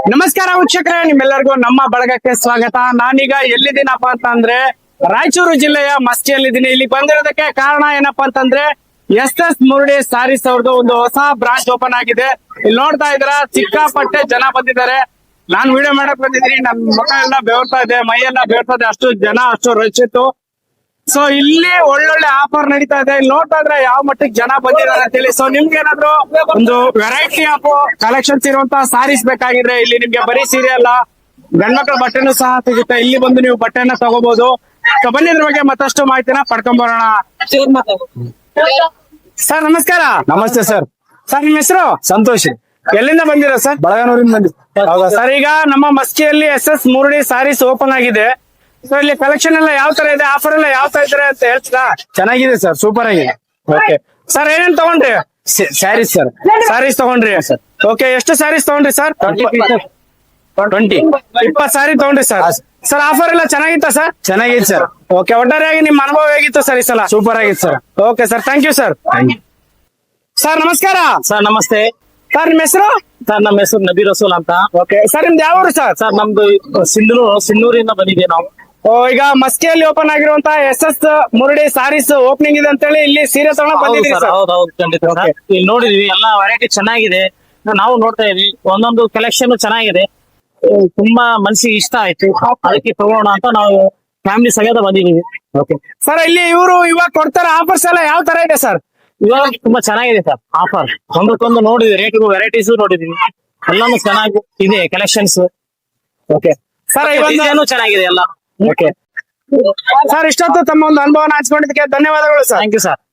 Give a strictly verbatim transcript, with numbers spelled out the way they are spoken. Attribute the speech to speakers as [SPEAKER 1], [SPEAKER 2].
[SPEAKER 1] ನಮಸ್ಕಾರ ವೀಕ್ಷಕರೇ, ನಿಮ್ಮೆಲ್ಲರಿಗೂ ನಮ್ಮ ಬಳಗಕ್ಕೆ ಸ್ವಾಗತ. ನಾನೀಗ ಎಲ್ಲಿದ್ದೀನಪ್ಪ ಅಂತ ಅಂದ್ರೆ ರಾಯಚೂರು ಜಿಲ್ಲೆಯ ಮಸ್ತಿಯಲ್ಲಿದ್ದೀನಿ. ಇಲ್ಲಿ ಬಂದಿರೋದಕ್ಕೆ ಕಾರಣ ಏನಪ್ಪಾ ಅಂತಂದ್ರೆ ಎಸ್ ಎಸ್ ಮುರುಡಿ ಸಾರೀಸ್ ಅವ್ರದ್ದು ಒಂದು ಹೊಸ ಬ್ರಾಂಚ್ ಓಪನ್ ಆಗಿದೆ. ಇಲ್ಲಿ ನೋಡ್ತಾ ಇದ್ರ ಸಿಕ್ಕಾಪಟ್ಟೆ ಜನ ಬಂದಿದ್ದಾರೆ. ನಾನ್ ವಿಡಿಯೋ ಮಾಡಕ್ ಬಂದಿದ್ದೀನಿ, ನನ್ ಮುಖ ಎಲ್ಲ ಬೆವರ್ತಾ ಇದೆ, ಮೈ ಎಲ್ಲ ಬೆವರ್ತಾ ಇದೆ, ಅಷ್ಟು ಜನ ಅಷ್ಟು ರಶ್ ಇತ್ತು. ಸೊ ಇಲ್ಲಿ ಒಳ್ಳೊಳ್ಳೆ ಆಫರ್ ನಡೀತಾ ಇದೆ. ಇಲ್ಲಿ ನೋಡ್ತಾ ಇದ್ರೆ ಯಾವ ಮಟ್ಟಿಗೆ ಜನ ಬಂದಿದ್ದಾರೆ ಅಂತ ಹೇಳಿ. ಸೊ ನಿಮ್ಗೆ ಏನಾದ್ರು ಒಂದು ವೆರೈಟಿ ಆಫ್ ಕಲೆಕ್ಷನ್ಸ್ ಇರುವಂತಹ ಸಾರೀಸ್ ಬೇಕಾಗಿದ್ರೆ ಇಲ್ಲಿ ನಿಮ್ಗೆ ಬರೀ ಸೀರೆ ಅಲ್ಲ, ಗಂಡ್ಮಕ್ಳ ಬಟ್ಟೆನೂ ಸಹ ಸಿಗುತ್ತೆ. ಇಲ್ಲಿ ಬಂದು ನೀವು ಬಟ್ಟೆನ ತಗೋಬಹುದು. ಸೊ ಬನ್ನಿ ಇದ್ರ ಬಗ್ಗೆ ಮತ್ತಷ್ಟು ಮಾಹಿತಿನ ಪಡ್ಕೊಂಬರೋಣ. ಸರ್ ನಮಸ್ಕಾರ.
[SPEAKER 2] ನಮಸ್ತೆ ಸರ್.
[SPEAKER 1] ಸರ್ ನಿಮ್ ಹೆಸರು?
[SPEAKER 2] ಸಂತೋಷ್.
[SPEAKER 1] ಎಲ್ಲಿಂದ ಬಂದಿರೋ ಸರ್?
[SPEAKER 2] ಬಳಗನೂರಿಂದ ಬಂದಿ.
[SPEAKER 1] ಹೌದಾ ಸರ್? ಈಗ ನಮ್ಮ ಮಸ್ಕಿಯಲ್ಲಿ S S Murudi sarees open ಆಗಿದೆ. ಸೊ ಇಲ್ಲಿ ಕಲೆಕ್ಷನ್ ಎಲ್ಲ ಯಾವ ತರ ಇದೆ, ಆಫರ್ ಎಲ್ಲ ಯಾವ ತರ ಇದಾರೆ ಅಂತ ಹೇಳ್ತೀರಾ?
[SPEAKER 2] ಚೆನ್ನಾಗಿದೆ ಸರ್, ಸೂಪರ್ ಆಗಿದೆ.
[SPEAKER 1] ಓಕೆ ಸರ್, ಏನೇನ್ ತಗೊಂಡ್ರಿ?
[SPEAKER 2] ಸ್ಯಾರೀಸ್ ಸರ್.
[SPEAKER 1] ಸಾರೀಸ್ ತಗೊಂಡ್ರಿ ಸರ್. ಓಕೆ, ಎಷ್ಟು ಸಾರೀಸ್ ತಗೊಂಡ್ರಿ ಸರ್?
[SPEAKER 2] ಟ್ವೆಂಟಿ
[SPEAKER 1] ಇಪ್ಪತ್ ಸಾರಿ ತಗೊಂಡ್ರಿ ಸರ್. ಸರ್ ಆಫರ್ ಎಲ್ಲ ಚೆನ್ನಾಗಿತ್ತ ಸರ್?
[SPEAKER 2] ಚೆನ್ನಾಗಿದೆ ಸರ್.
[SPEAKER 1] ಓಕೆ, ಒಟ್ಟಾರೆಯಾಗಿ ನಿಮ್ ಅನುಭವ ಹೇಗಿತ್ತು ಸರ್ ಈ ಸಲ?
[SPEAKER 2] ಸೂಪರ್ ಆಗಿದೆ sir.
[SPEAKER 1] Okay sir, thank you sir. Sir ನಮಸ್ಕಾರ.
[SPEAKER 2] ಸರ್ ನಮಸ್ತೆ.
[SPEAKER 1] ಸರ್ ನಿಮ್ಮ ಹೆಸರು?
[SPEAKER 2] ಸರ್ ನಮ್ಮ ಹೆಸರು ನಬಿ ರಸೂಲ್ ಅಂತ.
[SPEAKER 1] ಓಕೆ ಸರ್, ನಿಮ್ದು ಯಾವ ಊರು ಸರ್?
[SPEAKER 2] ಸರ್ ನಮ್ದು ಸಿಂಧೂರು ಸಿನ್ನೂರಿಂದ ಬಂದಿದೆ ನಾವು.
[SPEAKER 1] ಓ, ಈಗ ಮಸ್ಕಿಯಲ್ಲಿ ಓಪನ್ ಆಗಿರುವಂತ S S Murudi sarees opening ಇದೆ ಅಂತ ಹೇಳಿ ಇಲ್ಲಿ ಸೀರೆ ತಗೊಂಡ್ ಬಂದಿದ್ದೀವಿ ಸರ್.
[SPEAKER 2] ಹೌದೌದು, ಖಂಡಿತ ಸರ್. ಇಲ್ಲಿ ನೋಡಿದ್ವಿ, ಎಲ್ಲಾ ವೆರೈಟಿ ಚೆನ್ನಾಗಿದೆ. ನಾವು ನೋಡ್ತಾ ಇದೀವಿ, ಒಂದೊಂದು ಕಲೆಕ್ಷನ್ ಚೆನ್ನಾಗಿದೆ. ತುಂಬಾ ಮನಸ್ಸಿಗೆ ಇಷ್ಟ ಆಯ್ತು, ಅದಕ್ಕೆ ತಗೋಣ ಅಂತ ನಾವು ಫ್ಯಾಮಿಲಿ ಸಮೇತ ಬಂದಿದ್ದೀವಿ.
[SPEAKER 1] ಓಕೆ ಸರ್, ಇಲ್ಲಿ ಇವರು ಇವಾಗ ಕೊಡ್ತಾರ ಆಫರ್ಸ್ ಎಲ್ಲ ಯಾವ ತರ ಇದೆ ಸರ್?
[SPEAKER 2] ಇವಾಗ ತುಂಬಾ ಚೆನ್ನಾಗಿದೆ ಸರ್ ಆಫರ್. ಒಂದಕ್ಕೊಂದು ನೋಡಿದ್ವಿ, ರೇಟ್ ವೆರೈಟೀಸ್ ನೋಡಿದೀವಿ, ಎಲ್ಲಾನು ಚೆನ್ನಾಗಿ ಇದೆ ಕಲೆಕ್ಷನ್ಸ್.
[SPEAKER 1] ಓಕೆ ಸರ್,
[SPEAKER 2] ಡಿಸೈನು ಚೆನ್ನಾಗಿದೆ ಎಲ್ಲ.
[SPEAKER 1] ಓಕೆ ಸರ್, ಇಷ್ಟೊತ್ತು ತಮ್ಮ ಒಂದು ಅನುಭವನ ಹಂಚ್ಕೊಂಡಿದ್ದಕ್ಕೆ ಧನ್ಯವಾದಗಳು ಸರ್.
[SPEAKER 2] Thank you sir.